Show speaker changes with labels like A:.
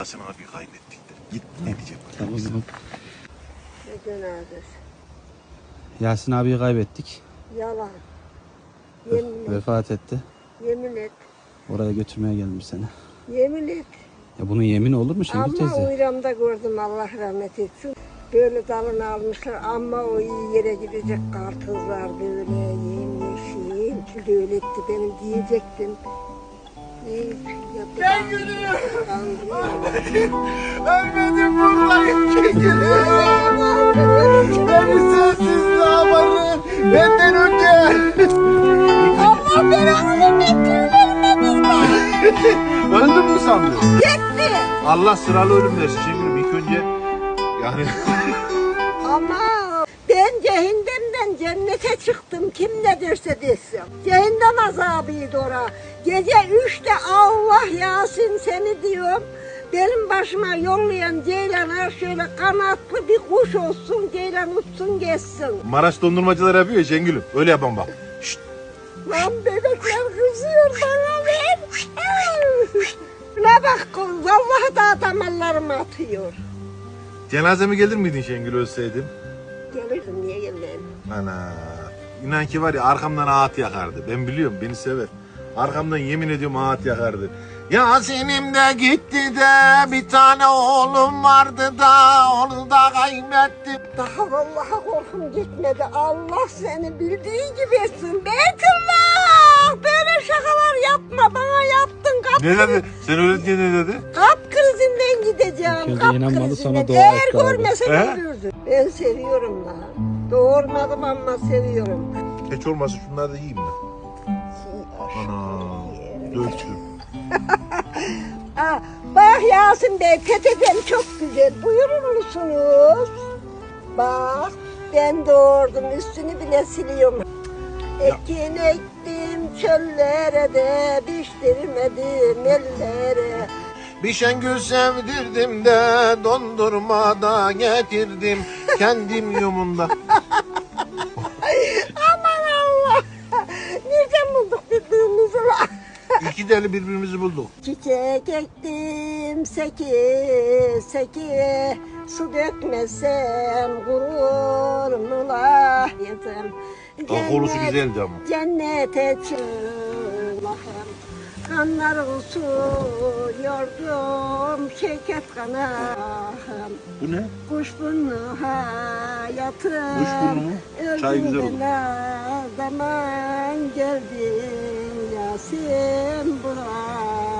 A: Yasin abi kaybettik de. Git ne diyecek?
B: Tamam.
C: Ne cenazesi?
B: Yasin abiyi kaybettik.
C: Yalan. Yemin et.
B: Vefat etti.
C: Yemin et.
B: Oraya götürmeye geldim seni.
C: Yemin et.
B: Ya bunun yemini olur mu Şengül
C: Ama
B: teyze?
C: uyramda gördüm, Allah rahmet etsin. Böyle dalını almışlar ama o iyi yere gidecek kartızlar böyle yemyeşil. Şimdi öyle etti benim diyecektim.
A: Ben gülüyorum. Ölmedim buradayım Şengül'üm. Beni sensiz damarı benden önce.
C: Allah belanı bekliyorlar.
A: Öldün mü sandın?
C: Gitti.
A: Allah sıralı ölüm versin Şengül'üm. İlk önce yani
C: Ama ben cehennemden cennete çıktım, kim ne derse desin. Cehennem azabıydı ora. Gece 3'te Allah Yasin seni diyorum. Benim başıma yollayan Ceylan'a şöyle kanatlı bir kuş olsun, Ceylan uçsun geçsin.
A: Maraş dondurmacılar yapıyor ya Şengül'üm. Öyle yapalım bak. Şşt.
C: Lan bebekler kızıyor bana ver. Ne bak, vallahi da damarlarımı atıyor.
A: Cenazeme gelir miydin Şengül ölseydim?
C: Gelirdim, niye gelmeyeyim?
A: Ana. İnan ki var ya arkamdan ağıt yakardı. Ben biliyorum, beni sever. Arkamdan yemin ediyorum ağıt yakardı. Yasin'im de gitti de bir tane oğlum vardı da onu da kaybettim.
C: Daha vallahi korkum gitmedi. Allah seni bildiği gibi etsin. Beytullah! Böyle şakalar yapma. Bana yaptın. Kalp
A: Ne dedi? Sen öyle diye ne dedi?
C: Kalp krizinden gideceğim.
B: İlk önce
C: Kalp
B: inanmadı,
C: krizinden.
B: sonra dua
C: Eğer
B: etti abi.
C: görmesen
A: He?
C: ölürdün. Ben seviyorum lan. Doğurmadım ama seviyorum.
A: Hiç olmazsa şunları da yiyeyim ben. Ana. Döktüm.
C: Bak Yasin Bey, peteğim çok güzel. Buyurur musunuz? Bak, ben doğurdum. Üstünü bile siliyorum. Ekin ektim çöllere de piştirmedim ellere.
A: Bir Şengül sevdirdim de dondurmada getirdim kendim yumunda.
C: Aman Allah! Nereden bulduk birbirimizi lan?
A: İki deli birbirimizi bulduk.
C: Çiçek ektim seki su dökmesem kurur mu la?
A: Kolusu güzeldi ama.
C: Cennete çıkmışım. Kanlarım su yordum şeker kanahım.
A: Bu ne?
C: Kuşburnu hayatım.
A: Kuşburnu mu? Çay güzel olur.
C: Zaman geldin Yasin buraya.